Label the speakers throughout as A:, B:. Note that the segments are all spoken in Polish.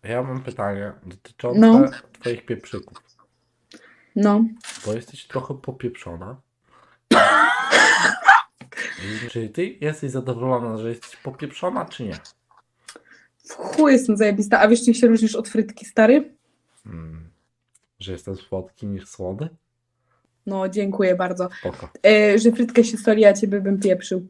A: Ja mam pytanie dotyczące
B: No.
A: twoich pieprzyków,
B: No.
A: bo jesteś trochę popieprzona. Czy ty jesteś zadowolona, że jesteś popieprzona, czy nie?
B: W chuj jestem zajebista. A wiesz, czym się różnisz od frytki, stary?
A: Że jestem słodki niż słody?
B: No, dziękuję bardzo.
A: Spoko.
B: Że frytkę się soli, a ciebie bym pieprzył.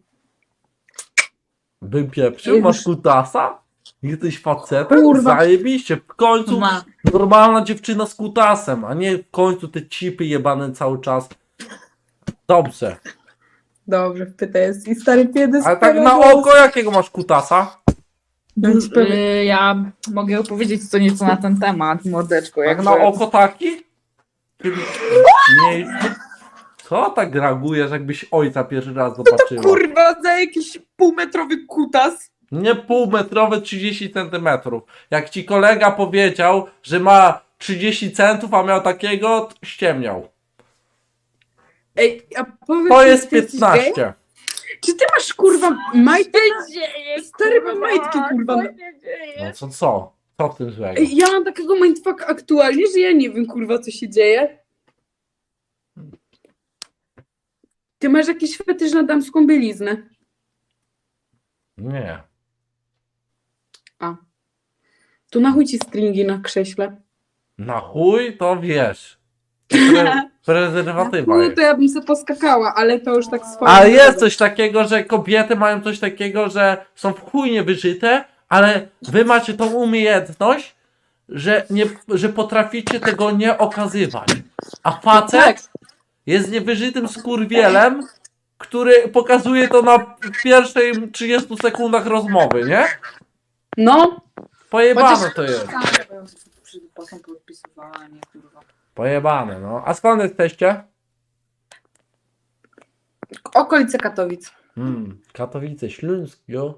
A: Bym pieprzył? Masz kutasa? Jesteś facetem?
B: Kurwa.
A: Zajebiście. W końcu
B: Ma.
A: normalna dziewczyna z kutasem, a nie w końcu te cipy jebane cały czas. Dobrze.
B: Dobrze, pyta jest. I stary piedys.
A: Ale tak na oko jakiego masz kutasa?
B: No ci powiem.
C: Ja mogę opowiedzieć co nieco na ten temat, mordeczko.
A: Jak
C: Jakby...
A: na oko taki? Nie. Co tak reagujesz, jakbyś ojca pierwszy raz zobaczyła?
C: Kurwa, za jakiś półmetrowy kutas.
A: Nie półmetrowe, 30 centymetrów. Jak ci kolega powiedział, że ma 30 centów, a miał takiego, to ściemniał.
B: Ej, a powiedz,
A: To
B: czy
A: jest
B: ty jesteś gej?
A: 15.
B: Czy ty masz kurwa majtki?
C: dzieje?
B: Stary, mam majtki, kurwa.
C: Co się dzieje?
A: No co? Co w tym złego?
B: Ej, ja mam takiego mindfucka aktualnie, że ja nie wiem kurwa co się dzieje. Ty masz jakiś fetysz na damską bieliznę.
A: Nie.
B: To na chuj ci stringi na krześle.
A: Na chuj to wiesz. Prezerwatywa
B: No
A: jest.
B: to ja bym se poskakała, ale to już tak swoje.
A: Ale jest coś takiego, że kobiety mają coś takiego, że są w chuj niewyżyte, ale wy macie tą umiejętność, że potraficie tego nie okazywać. A facet
B: Tak.
A: jest niewyżytym skurwielem, który pokazuje to na pierwszej 30 sekundach rozmowy, nie?
B: No,
A: Pojebane
B: Chociaż-
A: to jest.
C: Potem podpisywanie, kurwa.
A: Pojebane, no. A skąd jesteście?
B: okolice Katowic.
A: Katowice, Śląsk, jo.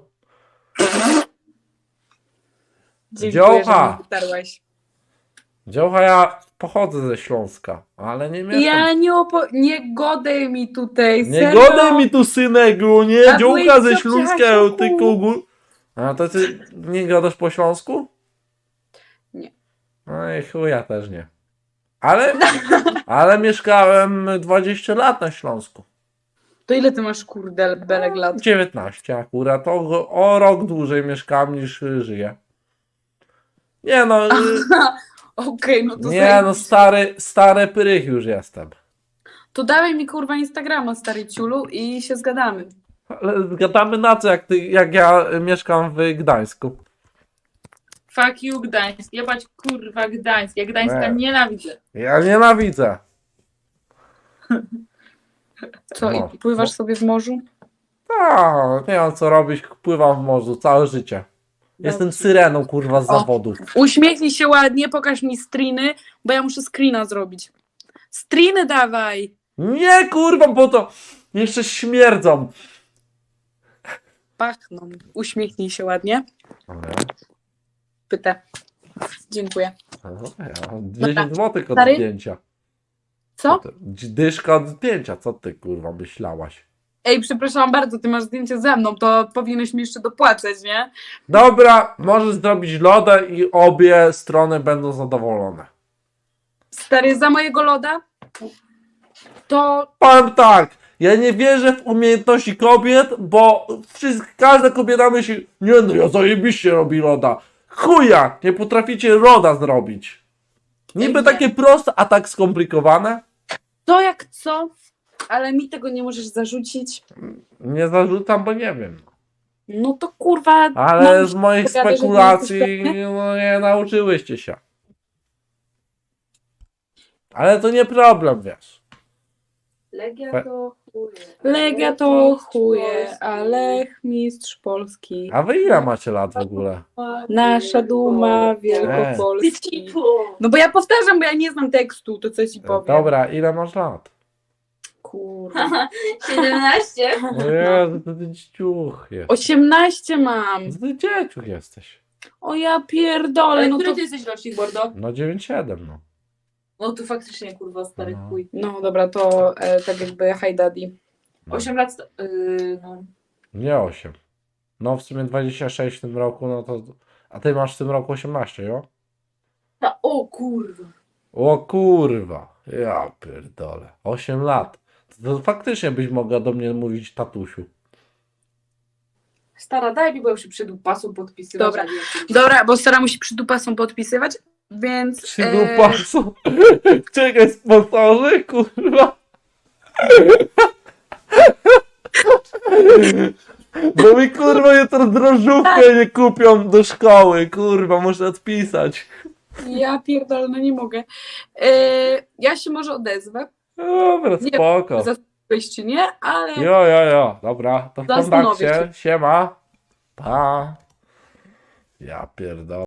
B: Dziękuję,
A: Dziołcha.
B: że mnie wytarłeś.
A: Dziołcha, ja pochodzę ze Śląska, ale nie mieszkam.
B: Ja nie godaj mi tutaj,
A: Nie
B: serio.
A: godaj mi tu synego, nie?
B: A
A: Dziołcha
B: byłeś
A: ze
B: co
A: Śląska,
B: przyjaciół?
A: ty kugu. A to ty nie gadasz po śląsku?
B: Nie.
A: No i chuja też nie. Ale mieszkałem 20 lat na Śląsku.
B: To ile ty masz kurde belek lat?
A: 19 akurat, o rok dłużej mieszkam niż żyję. Nie no,
B: Okej, no to
A: nie no, stary prych już jestem.
B: To dawaj mi kurwa Instagrama, stary ciulu, i się zgadamy.
A: Ale zgadamy na co, jak ja mieszkam w Gdańsku.
C: Fuck you, Gdańsk. Jebać kurwa Gdańsk. Ja Gdańska
A: Nie.
C: nienawidzę.
A: Ja nienawidzę.
B: Co,
A: No.
B: i pływasz sobie w morzu?
A: Tak, nie mam co robić, pływam w morzu całe życie. Jestem syreną, kurwa, z
B: O.
A: zawodu.
B: Uśmiechnij się ładnie, pokaż mi screeny, bo ja muszę screena zrobić. Screeny dawaj!
A: Nie, kurwa, bo to jeszcze śmierdzą.
B: Pachną. Uśmiechnij się ładnie. Pytę. Dziękuję.
A: 10 zł od
B: Stary?
A: zdjęcia.
B: Co?
A: Dyszka od zdjęcia, co ty, kurwa, myślałaś?
B: Ej, przepraszam bardzo, ty masz zdjęcie ze mną, to powinieneś mi jeszcze dopłacać, nie?
A: Dobra, możesz zrobić loda i obie strony będą zadowolone.
B: Stary, za mojego loda? To
A: Powiem tak, ja nie wierzę w umiejętności kobiet, bo każda kobieta myśli, nie no, ja zajebiście robi loda. Chuja, nie potraficie loda zrobić. Niby
B: Nie.
A: takie proste, a tak skomplikowane.
B: To jak co? Ale mi tego nie możesz zarzucić.
A: Nie zarzucam, bo nie wiem.
B: No to kurwa.
A: Ale
B: mam
A: z moich
B: pogadać, że nie
A: spekulacji
B: jesteś pewny?
A: no, nie nauczyłyście się. Ale to nie problem, wiesz.
C: Legia to chuje.
B: Legia to chuje, a Lech mistrz Polski.
A: A wy ile macie lat w ogóle?
B: Nasza duma Wielkopolski.
C: Tycipu.
B: No bo ja powtarzam, bo ja nie znam tekstu, to co ci powiem.
A: Dobra, ile masz lat?
B: Kurwa.
C: 17.
A: Jezu, to ty dzieciuch jest.
B: 18 mam.
A: Ty dzieciuch jesteś.
B: O ja pierdolę,
C: Ale
B: no
C: który
B: to...
C: ty jesteś rocznik, Bordo?
A: No 9-7, no.
C: No to faktycznie kurwa stary
A: No.
C: chuj.
B: No dobra, to tak jakby hi daddy.
A: No.
C: 8 lat. No.
A: Nie 8. No w sumie 26 w tym roku, no to A ty masz w tym roku 18, jo?
C: O kurwa.
A: O kurwa, ja pierdolę. 8 lat. To faktycznie byś mogła do mnie mówić tatusiu.
C: Stara, daj mi, bo już się przed pasą podpisywać.
B: Dobra.
C: a nie-
B: Dobra, bo Sara musi przy dupasą podpisywać, więc...
A: Przydupasu. Czekaj, sponsorzy, kurwa. Bo mi kurwa jutro drożdżówkę nie kupią do szkoły, kurwa, muszę odpisać.
B: Ja pierdolę, no nie mogę. Ja się może odezwę.
A: Dobra,
B: Nie,
A: spoko.
B: Zastanowić czy nie, ale...
A: Jo, dobra, to w
B: Zastanowię
A: kontakcie,
B: się.
A: siema, pa. Ja pierdolę.